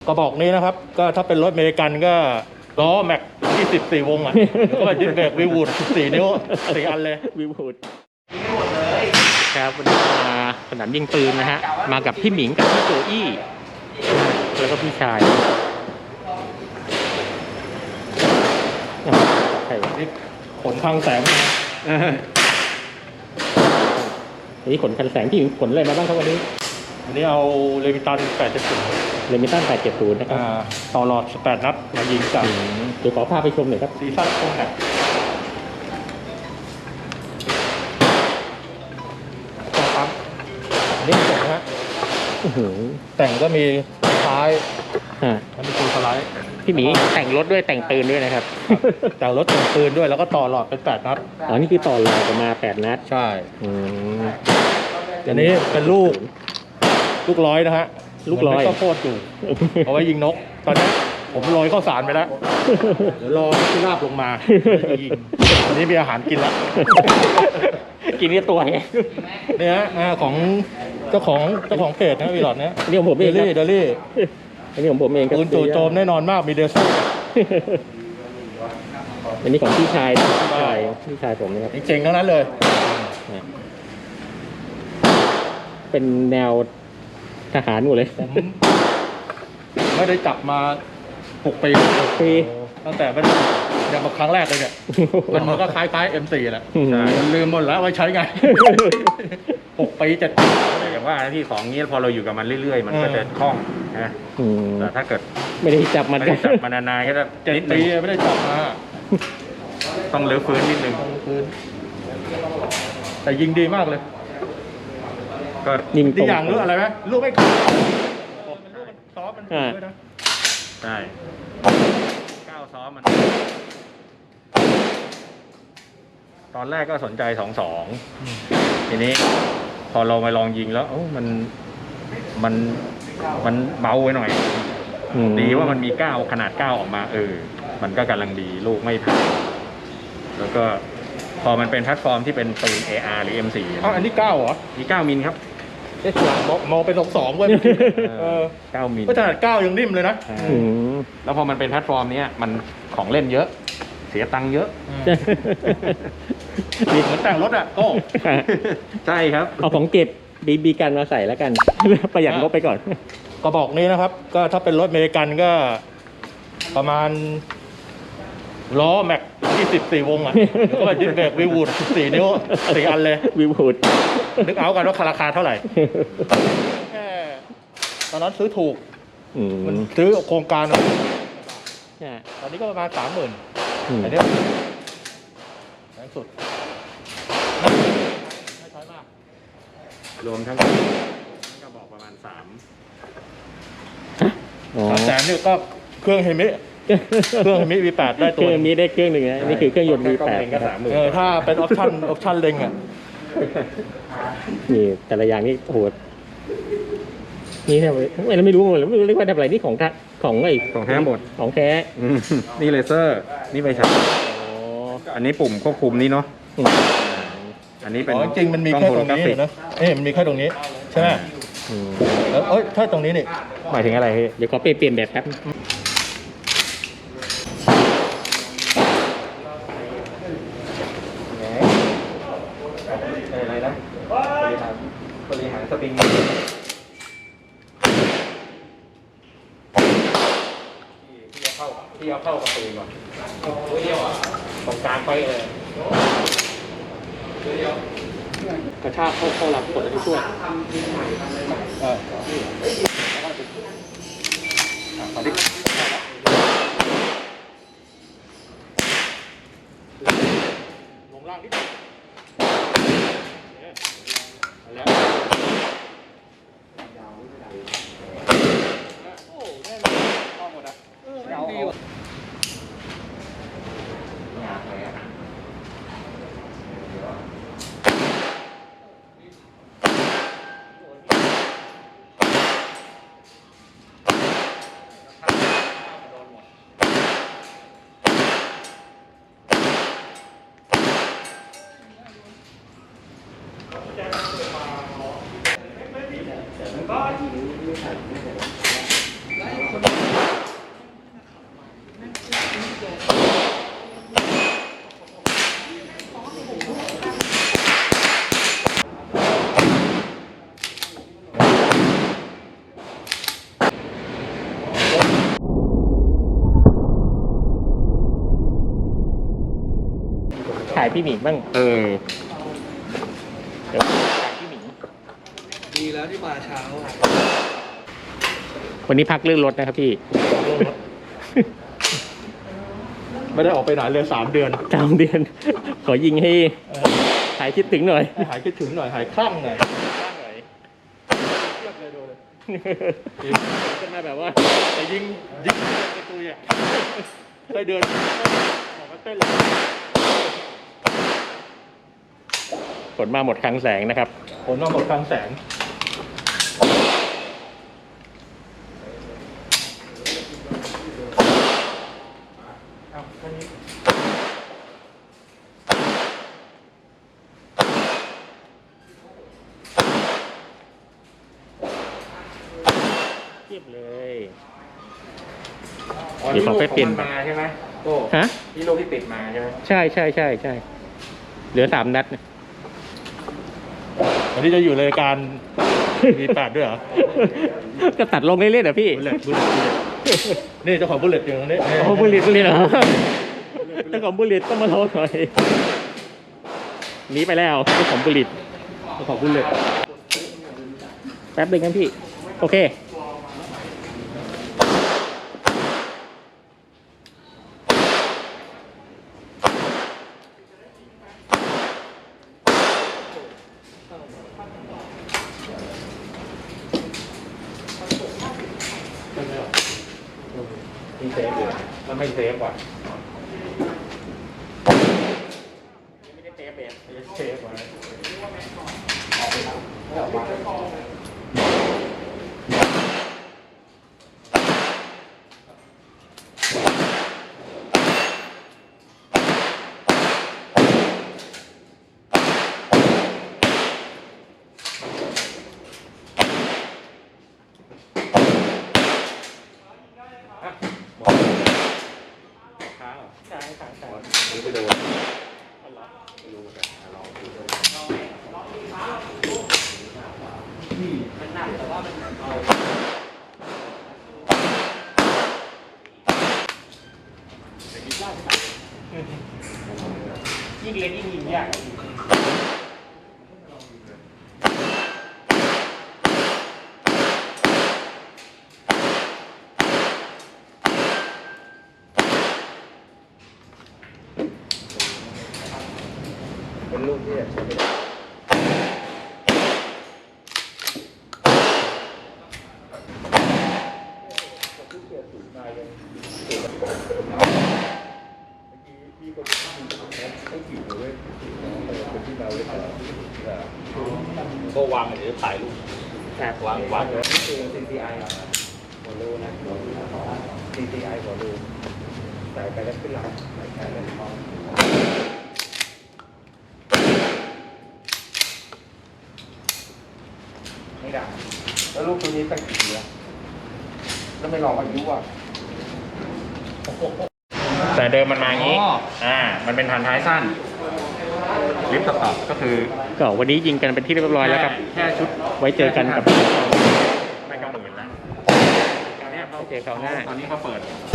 กระบอกนี้นะครับก็ถ้าเป็นรถอเมริกันก็ล้อแม็ก24วงอ่ะแล้วก็ดิสเบรกวีวูด4นิ้ว4อันเลยวีวูดครับวันนี้มาสนามยิงปืนนะฮะมากับพี่หมิงกับพี่โจอี้แล้วก็พี่ชายใครวะนี่ขนทางแสงวันนี้ขนคันแสงพี่หมิงขนอะไรมาบ้างครับวันนี้เอาเลมิตัน870 เลมิตัน870นะครับต่อหลอด18นัดมายิงกับเดี๋ยวขอพาไปชมหน่อยครับซีซั่นโค้งแหกปั๊มนี่แต่งนะฮะแต่งก็มีท้ายมันมีตัวสไลด์พี่หมีแต่งรถด้วยแต่งปืนด้วยนะครับแต่งรถแต่งปืนด้วยแล้วก็ต่อหลอดเป็น8นัดอ๋อนี่คือต่อหลอดออกมา8นัดใช่อันนี้เป็นลูกร้อยนะฮะลูกร้อยก็โคตรอยู่เอาไว้ยิงนกตอนนี้ผมโรยข้าวสารไปแล้วเดี๋ยวรอที่ราบลงมายิงอันนี้มีอาหารกินแล้วกินนี่ตัวไงเนี่ยของเจ้าของเพจนะวีหลอดเนี่ยนี่ของผมเองเดลี่อันนี้ของผมเองปืนจู่โจมแน่นอนมากมีเดซ่อันนี้ของพี่ชายผมนะครับเจ๋งๆทั้งนั้นเลยเป็นแนวทหารหมดเลยผมไม่ได้จับมา6 ปีตั้งแต่เป็นอย่างมาครั้งแรกเลยเนี่ยมันก็คล้ายๆ M4 แหละมันลืมหมดแล้วไว้ใช้ไง6 ปี7 ปีอย่างว่าที่ของนี้พอเราอยู่กับมันเรื่อยๆมันก็จะคล่องนะแต่ถ้าเกิดไม่ได้จับมันนานๆก็จะ 7 ปีไม่ได้จับมาต้องรื้อฟื้นนิดนึงแต่ยิงดีมากเลยก็ยิงดีอย่างรู้อะไรไหมลูกไม่ขาดซอฟมันด้วยนะใช่ก้าวซ้อมมันตอนแรกก็สนใจ22ทีนี้พอเรามาลองยิงแล้วมันเบาไปหน่อยดีว่ามันมี9ขนาด9ออกมามันก็กำลังดีลูกไม่พังแล้วก็พอมันเป็นแพลตฟอร์มที่เป็นปืน AR หรือ M4 อันนี้9เหรอมี9มิลครับมองเป็น22เว้ย 9มิลก็ขนาด9ยังนิ่มเลยนะแล้วพอมันเป็นแพลตฟอร์มนี้มันของเล่นเยอะเสียตังค์เยอะเหมือนแต่งรถอ่ะโอ้ใช่ครับเอาของเก็บบีกันมาใส่แล้วกันประหยัดงบไปก่อนกระบอกนี้นะครับก็ถ้าเป็นรถอเมริกันก็ประมาณล้อแม็ก24วงอ่ะแล้วก็ดิสเบรกวีวูด4นิ้ว4อันเลยวีวูดนึกเอากันว่าราคาเท่าไหร่แค่ตอนนั้นซื้อถูกมันซื้อโครงการตอนนี้ก็ประมาณ 30,000อันนี้แพงสุดไม่ใช่มากรวมทั้งก็บอกประมาณ300,000 นี่ก็เครื่องเฮมิV8 ได้ตัวมีได้เครื่องหนึ่งนะนี่คือเครื่องยนต์ V8 ก็30,000 ถ้าเป็นออปชั่นเล็งอ่ะนี่แต่ละอย่างนี่โหดนี่ทำไมเราไม่รู้เลยไม่รู้เรียกว่าทำอะไรนี่ของแท้หมดของแท้นี่เลเซอร์นี่ไฟฉายอันนี้ปุ่มควบคุมนี่เนาะอันนี้เป็นจริงมันมีแค่ตรงนี้นะมันมีแค่ตรงนี้ใช่ไหมแล้วถ้าตรงนี้นี่หมายถึงอะไรเดี๋ยวขอเปลี่ยนแบบแป๊บอะไรนะบริหารสปริงที่เอาเข้ากับปืนก่อนตรงกลางไปเลยกระชากเข้าหลังกดอะไรช่วยลงล่างนิดแล้วโอ้แน่นอนเข้าหมดอ่ะดีว่ะถ่ายพี่หมิงบ้างเดี๋ยวถ่ายพี่หมิงดีแล้วที่มาเช้าวันนี้พักเรื่องรถนะครับพี่ไม่ได้ออกไปไหนเลย3 เดือน 3 เดือน ขอยิงให้หายคิดถึงหน่อยให้หายคิดถึงหน่อยหายคลั่งหน่อยจะมาแบบว่าแต่ยิงประตูอ่ะได้เดือนออกมาเต้นเลยฝนมาหมดคลังแสงนะครับผลมาหมดกลางแสงเทียบเลย เดี๋ยวขอไปเปลี่ยนมาใช่ไหมโก้ฮะที่ลูกที่ติดมาใช่ไหมใช่ เหลือ3 นัดนะวันนี้จะอยู่รายการมี8ด้วยเหรอก็ตัดลงเรื่อยๆเหรอพี่บุลเลตนี่เจ้าของบุลเลตอยู่ตรงนี้โอ้บุลิตเหรอเจ้าของบุลิตต้องมาโทษหน่อยหนีไปแล้วเจ้าของบุลิตเจ้าของบุลเลตแป๊บนึงครับพี่ โอเคที่เซฟเลยแล้วไม่เซฟว่ะไม่ได้เตะเบสเซฟไว้ใช่หรือไปโดนไม่รู้เหมือนกันลองดูด้วยยิ่งเล่นยิ่งยิงยากเป็นลูกที่ใช้ไม่ได้ก็วางเดี๋ยวถ่ายรูป วางนี่คือ CCI หัวรูนะ CCI หัวรูใส่ไปแล้วขึ้นหลังใส่แล้วท้องไม่ได้แล้วลูกตัวนี้ตั้งกี่ปีแล้วแล้วไม่ลองอายุอ่ะแต่เดิมมันมาอย่างนี้มันเป็นฐานท้ายสั้นลิฟต์ต่อก็คือก็วันนี้ยิงกันเป็นที่เรียบร้อยแล้วครับแค่ชุดไว้เจอกันกับไม่ก็หมื่นแล้วตอนนี้ไว้เจอคราวหน้าตอนนี้เขาเปิด